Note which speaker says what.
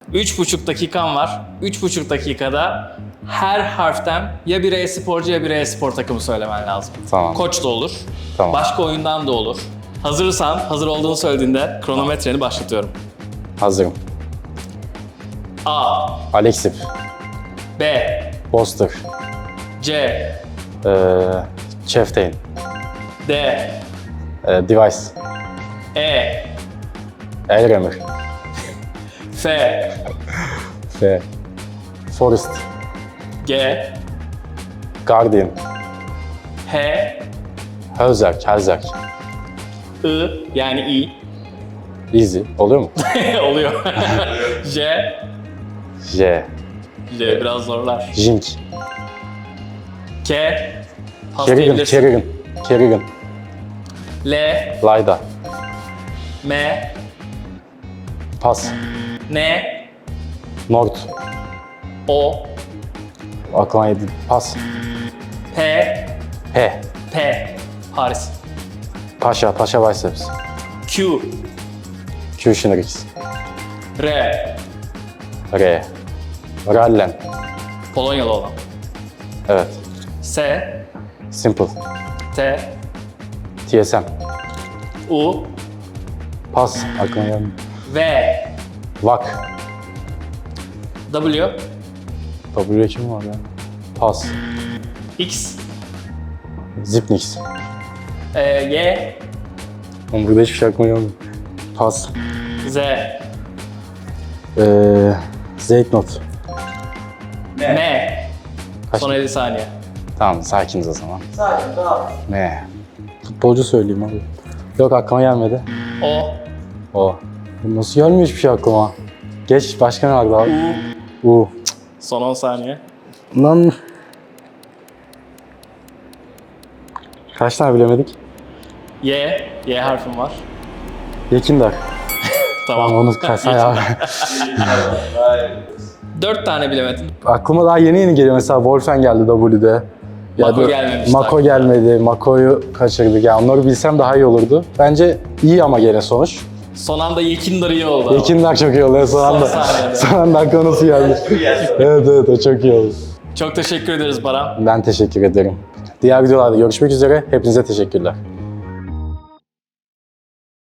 Speaker 1: 3,5 dakikan var. 3,5 dakikada her harften ya bir e-sporcu ya bir e-spor takımı söylemen lazım.
Speaker 2: Tamam.
Speaker 1: Koç da olur.
Speaker 2: Tamam.
Speaker 1: Başka oyundan da olur. Hazırsan, hazır olduğunu söylediğinde kronometreni başlatıyorum.
Speaker 2: Hazırım.
Speaker 1: A,
Speaker 2: Alexip,
Speaker 1: B,
Speaker 2: Boster,
Speaker 1: C,
Speaker 2: Cheftain,
Speaker 1: D,
Speaker 2: Device,
Speaker 1: E,
Speaker 2: Elremir,
Speaker 1: F,
Speaker 2: F, Forest,
Speaker 1: G,
Speaker 2: Guardian,
Speaker 1: H,
Speaker 2: Helzerk,
Speaker 1: I yani I
Speaker 2: Easy. Oluyor mu?
Speaker 1: oluyor. J,
Speaker 2: J,
Speaker 1: J biraz zorlar.
Speaker 2: Jink,
Speaker 1: K, pas
Speaker 2: Kerrigan,
Speaker 1: diyebilirsin.
Speaker 2: Kerrigan,
Speaker 1: L,
Speaker 2: Layda,
Speaker 1: M,
Speaker 2: Pas,
Speaker 1: N,
Speaker 2: Nord,
Speaker 1: O,
Speaker 2: aklıma yedi. Pas,
Speaker 1: P,
Speaker 2: P,
Speaker 1: P, Paris.
Speaker 2: Paşa Biceps,
Speaker 1: Q,
Speaker 2: Q-Shinrix,
Speaker 1: R,
Speaker 2: R, Rallen,
Speaker 1: Polonyalı olan.
Speaker 2: evet,
Speaker 1: S,
Speaker 2: Simple,
Speaker 1: T,
Speaker 2: TSM,
Speaker 1: U,
Speaker 2: Pas, aklıma geldi.
Speaker 1: V,
Speaker 2: Vak,
Speaker 1: W,
Speaker 2: W kim var ya? Pas,
Speaker 1: X,
Speaker 2: Zipnix,
Speaker 1: Y,
Speaker 2: Oğlum burada hiçbir şey aklıma gelmedi. Pas,
Speaker 1: Z,
Speaker 2: Zeitnot.
Speaker 1: M.
Speaker 2: Kaç-
Speaker 1: Son 50 saniye.
Speaker 2: Tamam, sakiniz o zaman.
Speaker 3: Sakin, tamam.
Speaker 2: Ne? Futbolcu söyleyeyim abi. Yok, aklıma gelmedi.
Speaker 1: O,
Speaker 2: O. Nasıl gelmiyor hiçbir şey aklıma? Geç, başka ne vardı abi? U.
Speaker 1: son 10 saniye.
Speaker 2: Lan. Kaç tane bilemedik?
Speaker 1: Y harfim var.
Speaker 2: Yekindar.
Speaker 1: Tamam.
Speaker 2: Tamam, onu kaçsana ya.
Speaker 1: 4 tane bilemedin.
Speaker 2: Aklıma daha yeni geliyor. Mesela Wolfen geldi W'de.
Speaker 1: Mako gelmemiş
Speaker 2: Mako
Speaker 1: daha.
Speaker 2: gelmedi. Mako'yu kaçırdık. Yani onları bilsem daha iyi olurdu. Bence iyi ama gene sonuç.
Speaker 1: Son anda Yekindar iyi oldu.
Speaker 2: Yekindar çok iyi oldu. Son anda.
Speaker 1: saniyede.
Speaker 2: Son anda aklıma nasıl geldi? Evet, o çok iyi oldu.
Speaker 1: Çok teşekkür ederiz Baran.
Speaker 2: Ben teşekkür ederim. Diğer videolarda görüşmek üzere. Hepinize teşekkürler.